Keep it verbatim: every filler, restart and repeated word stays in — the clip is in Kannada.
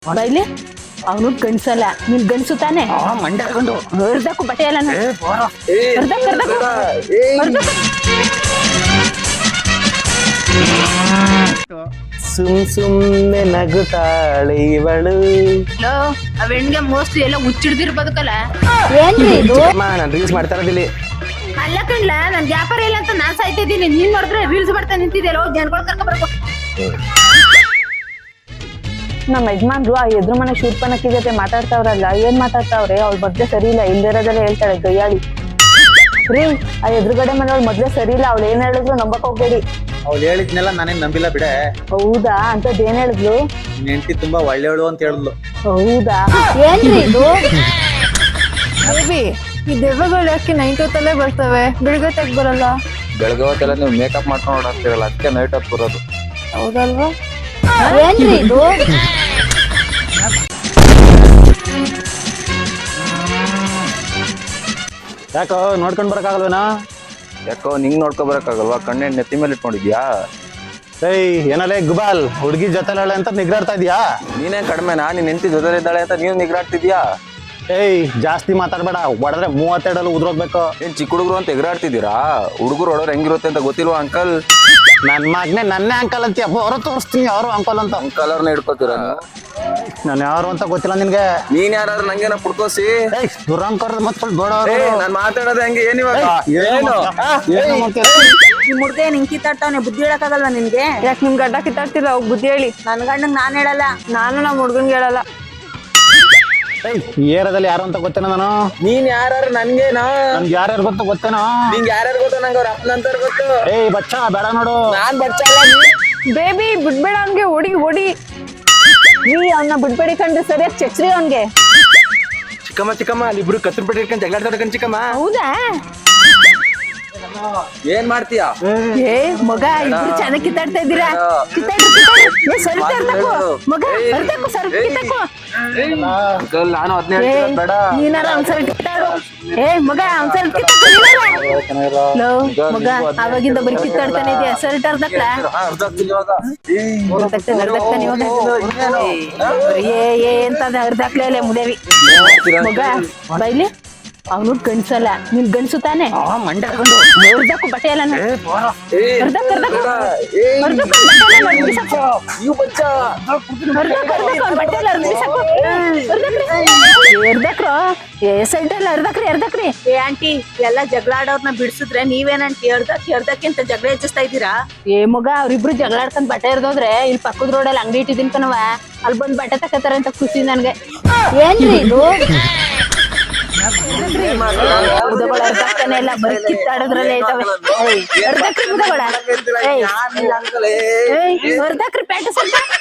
ಬೈಲಿ ಅವನು ಗಂಡ್ಸಲ್ಲ ನೀನ್ ಗಂಡ್ಸು ತಾನೆ ಮಂಡ್ಯ ಹಾಕೊಂಡು ಹರ್ದಕ್ಕೂ ಬಟ್ಟೆ ಎಲ್ಲ ಹರ್ದಕ್ ಹರ್ದಕ್ ಸುಮ್ ಸುಮ್ನೆ ನಗುತ್ತಾಳೆ ಇವಳು. ಆ ಹೆಣ್ಗೆ ಮೋಸ್ಟ್ಲಿ ಎಲ್ಲ ಹುಚ್ಚಿಡ್ದಿರ್ ಬದುಕಲ್ಲ. ಏನ್ರಿ ಇದು? ನಾನು ರೀಲ್ಸ್ ಮಾಡ್ತಾ ಇರೋದಿಲ್ಲಿ. ಅಲ್ಲ ಕಣ್ಲ ನನ್ ವ್ಯಾಪಾರ ಇಲ್ಲ ಅಂತ ನಾನ್ ಸಾಯ್ತಿದ್ದೀನಿ, ನೀನ್ ನೋಡಿದ್ರೆ ರೀಲ್ಸ್ ಮಾಡ್ತಾ ನಿಂತಿದ್ಯಲ್ಲ, ಹೋಗಿ ಜನಗಳು ಕರ್ಕೊ ಬರ್ಕೊ. ನಮ್ಮ ಯಜಮಾನ್ರು ಆ ಎದುರು ಮನೆ ಶೂರ್ಪನಕ್ಕಿ ಜೊತೆ ಮಾತಾಡ್ತಾವ್ರಲ್ಲ, ಏನ್ ಮಾತಾಡ್ತಾವ್ರೆ? ಅವ್ಳ ಮೊದ್ಲೇ ಸರಿ ಇಲ್ಲ, ಇಲ್ದಿರೋದೆಲ್ಲ ಹೇಳ್ತಾಳೆ ಗಯ್ಯಾಳಿ. ರೀ, ಆ ಎದುರುಗಡೆ ಮನೆಯವ್ಳು ಮೊದ್ಲೇ ಸರಿ ಇಲ್ಲ, ಅವ್ಳು ಏನ್ ಹೇಳಿದ್ರು ನಂಬಕ್ ಹೋಗ್ಬೇಡಿ. ಅವ್ಳು ಹೇಳಿದ್ನೆಲ್ಲ ನಾನೇನ್ ನಂಬಿಲ್ಲ ಬಿಡೆ. ಹೌದಾ? ಅಂತದ್ ಏನ್ ಹೇಳಿದ್ಲು? ನಿನ್ ಹೆಂಡತಿ ತುಂಬಾ ಒಳ್ಳೆಯವಳು ಅಂತ ಹೇಳಿದ್ಲು. ಹೌದಾ? ಏನ್ರಿ ಇದು? ಬೇಬಿ, ಈ ದೆವ್ವಗಳು ಯಾಕೆ ನೈಟ್ ಹೊತ್ತಲ್ಲೇ ಬರ್ತವೆ, ಬೆಳಗ್ಗೆ ತೆಗ್ ಬರಲ್ಲ? ಬೆಳಗ್ಗೆ ಹೊತ್ತೆಲ್ಲ ನೀವು ಮೇಕಪ್ ಮಾಡ್ಕೊಂಡು ಓಡಾಡ್ತಿರಲ್ಲ, ಅದಕ್ಕೆ ನೈಟ್ ಹೊತ್ತು ಬರೋದು. ಹೌದಲ್ವಾ? ಏನ್ರಿ ಇದು? ಯಾಕೋ ನೋಡ್ಕೊಂಡ್ ಬರಕಾಗಲ್ವೇನಾ? ಯಾಕೋ ನಿಂಗ್ ನೋಡ್ಕೊ ಬರಕ್ಕಾಗಲ್ವಾ? ಕಣ್ಣೆಣ್ಣೆ ನೆತ್ತಿ ಮೇಲೆ ಇಟ್ಕೊಂಡಿದ್ಯಾ? ಏಯ್ ಏನಲ್ಲೇ ಗುಬಾಲ್, ಹುಡುಗಿ ಜೊತೆಲಾಳೆ ಅಂತ ನಿಗ್ರಾಡ್ತಾ ಇದೀಯಾ? ನೀನೇ ಕಡಿಮೆನಾ? ನಿನ್ ಹೆಂಡತಿ ಜೊತೆ ಇದ್ದಾಳೆ ಅಂತ ನೀವ್ ನಿಗ್ರಾಡ್ತಿದ್ಯಾ? ಏಯ್ ಜಾಸ್ತಿ ಮಾತಾಡ್ಬೇಡ, ಹೊಡೆದ್ರೆ ಮೂವತ್ತೆರಡಲ್ಲಿ ಉದ್ರೋಗ್ಬೇಕು. ಏನ್ ಚಿಕ್ಕ ಹುಡುಗರು ಅಂತ ಎಗರಾಡ್ತಿದ್ದೀರಾ? ಹುಡುಗರು ಹೊಡೋರು ಹೆಂಗಿರುತ್ತೆ ಅಂತ ಗೊತ್ತಿಲ್ವಾ ಅಂಕಲ್? ನನ್ ಮಗನೇ ನನ್ನೇ ಅಂಕಲ್ ಅಂತೀಯ, ಅವರು ತೋರಿಸ್ತೀನಿ ಯಾರು ಅಂಕಲ್ ಅಂತ. ಅಂಕಲ್ ಅವ್ರನ್ನ ಹಿಡ್ಕೋತೀರ? ನಾನು ಯಾರು ಅಂತ ಗೊತ್ತಿಲ್ಲ ನಿನ್ಗೆ. ನೀನ್ ಯಾರು ನಂಗೇನ ಪುಡ್ಕೋಸಿ? ಏಯ್ ದುರಂಕರ್ ಮತ್ಕೊಂಡು ಬೇಡ. ನಾನ್ ಮಾತಾಡೋದು ಹೆಂಗೆ? ಏನಿವಾಗ ಏನು? ನಿಮ್ ಹುಡ್ಗ ನಿಂಗ್ ಕಿತ್ತಾಡ್ತಾವನೆ, ಬುದ್ಧಿ ಹೇಳಕ್ಕಾಗಲ್ವಾ ನಿನ್ಗೆ? ಯಾಕೆ ನಿಮ್ ಗಡ್ಡ ಕಿತ್ತಾಡ್ತಿಲ್ಲ? ಹೋಗ್ ಬುದ್ಧಿ ಹೇಳಿ. ನನ್ ಗಂಡಂಗ್ ನಾನ್ ಹೇಳಲ್ಲ. ನಾನು ನಮ್ಮ ಹುಡ್ಗನ್ಗೆ ಹೇಳಲ್ಲ. ಏಯ್ ಏರದಲ್ಲಿ ಯಾರು ಅಂತ ಗೊತ್ತೇನೋ ನಾನು? ನೀನ್ ಯಾರು ನನ್ಗೇನಾ? ನನ್ಗೆ ಯಾರ್ಯಾರು ಗೊತ್ತು ಗೊತ್ತೇನೋ? ನಿಂಗ್ ಯಾರ್ಯಾರು ಗೊತ್ತು? ನಂಗೆ ಅವ್ರ ಅಪ್ಪನಂತಾರ ಗೊತ್ತು. ಏಯ್ ಬಚ್ಚ ಬೇಡ ನೋಡು. ನಾನ್ ಬಚ್ಚಲ್ಲ. ಬೇಬಿ ಬಿಡ್ಬೇಡ, ಅವ್ನ್ಗೆ ಹೊಡಿ ಹೊಡಿ. ನೀ ಅವನ್ನ ಬಿಡ್ಬೇಡಿ ಕಂಡ್ರೆ ಸರಿಯಾಗಿ ಚಚ್ರಿ ಅವನ್ಗೆ. ಚಿಕ್ಕಮ್ಮ ಚಿಕ್ಕಮ್ಮ ಅಲ್ಲಿ ಇಬ್ರು ಕತ್ರ ಬಿಟ್ಟು ಇಟ್ಕೊಂಡು ಜಗಳಾಡ್ತಾಡ್ಕೊಂಡು ಚಿಕ್ಕಮ್ಮ. ಹೌದಾ? ಏನ್ ಮಾಡ್ತೀಯಾ? ಏ ಮಗ, ಇಬ್ರು ಚೆನ್ನಾಗಿ ಕಿತ್ತಾಡ್ತಾ ಇದ್ದೀರಾ. ಕಿತ್ತಾಡ್ರಿ ಕಿತ್ತಾಡ್ರಿ. ಏ ಸ್ವಲ್ಪ ಹರ್ದಕ್ಕು ಮಗ, ಹರ್ದಕ್ಕು ಸ್ವಲ್ಪ ಕಿತ್ತಾಕು. ಅಂಕಲ್ ನಾನು ಅದನ್ನೇ ಏ ಹೇಳ್ತಿರೋದು, ಬೇಡ. ನೀನಾರ ಒಂದ್ಸಲ ಕಿತ್ತಾಡು. ಏ ಮಗ ಒಂದ್ಸಲ ಕಿತ್ತಾಕು. ಲೋ ಮಗ, ಅವಾಗಿಂದ ಬರೀ ಕಿತ್ತಾಡ್ತಾನೆ ಇದೆಯಾ? ಸರ್ಟ್ ಹರ್ದಕ್ಲ? ಹಾ, ಅರ್ಧ ಆಗ್ತಿಲ್ಲ ಇವಾಗ. ಹರ್ದಕ್ತಾನೆ ಹರ್ದಕ್ತಾನೆ ಇವಾಗ. ಏ ಏ ಅಂತ ಹರ್ದಾಕ್ಲೇ ಇಲ್ಲ ಮುದೇವಿ ಮಗ. ಬೈಲಿ ಅವನು ಗಂಡ್ಸಲ್ಲ, ನೀನ್ ಗಂಡ್ಸು ತಾನೆ? ಮಂಡ್ಯ ಹಾಕೊಂಡು ಹರ್ದಕ್ಕು ಬಟ್ಟೆ ಎಲ್ಲ ಹರ್ದಕ್ ಹರ್ದಕ್ ಹರ್ದಕ್ ನೀವು ಬಚ್ಚ ಬಟ್ಟೆ ಎಲ್ಲ ಹರ್ದಿಸಾಕು. ಹರ್ದಕ್ರು ಏ ಸೈಡ್ ಎಲ್ಲ ಹರ್ದಕ್ರಿ ಹರ್ದಕ್ರಿ. ಏ ಆಂಟಿ, ಎಲ್ಲ ಜಗಳ ಆಡೋರ್ನ ಬಿಡ್ಸಿದ್ರೆ ನೀವೇನಂಟಿ ಎರ್ದಕ್ ಎರ್ದಕ್ಕೆ ಅಂತ ಜಗಳ ಹೆಚ್ಚಿಸ್ತಾ ಇದ್ದೀರಾ? ಏ ಮಗ, ಅವ್ರಿಬ್ರು ಜಗಳ ಆಡ್ಕೊಂಡ್ ಬಟ್ಟೆ ಹರ್ದೋದ್ರೆ ಇಲ್ಲಿ ಪಕ್ಕದ ರೋಡಲ್ಲಿ ಅಂಗಡಿ ಇಟ್ಟಿದ್ದೀನಿ ಕಣವ, ಅಲ್ಲಿ ಬಂದ್ ಬಟ್ಟೆ ತಕತಾರ ಅಂತ ಖುಷಿ ನನ್ಗೆ. ಏನ್ರಿ ಇದು? ಮುದಗಳ ಹರ್ದಾಕ್ತಾನೆ ಎಲ್ಲ ಬರೀ ಕಿತ್ತಾಡೋದ್ರಲ್ಲೇ ಐತವೆ. ಹರ್ದಕ್ರಿ ಮುದಗಳ, ಹರ್ದಕ್ರಿ ಪ್ಯಾಂಟ್ ಸ್ವಲ್ಪ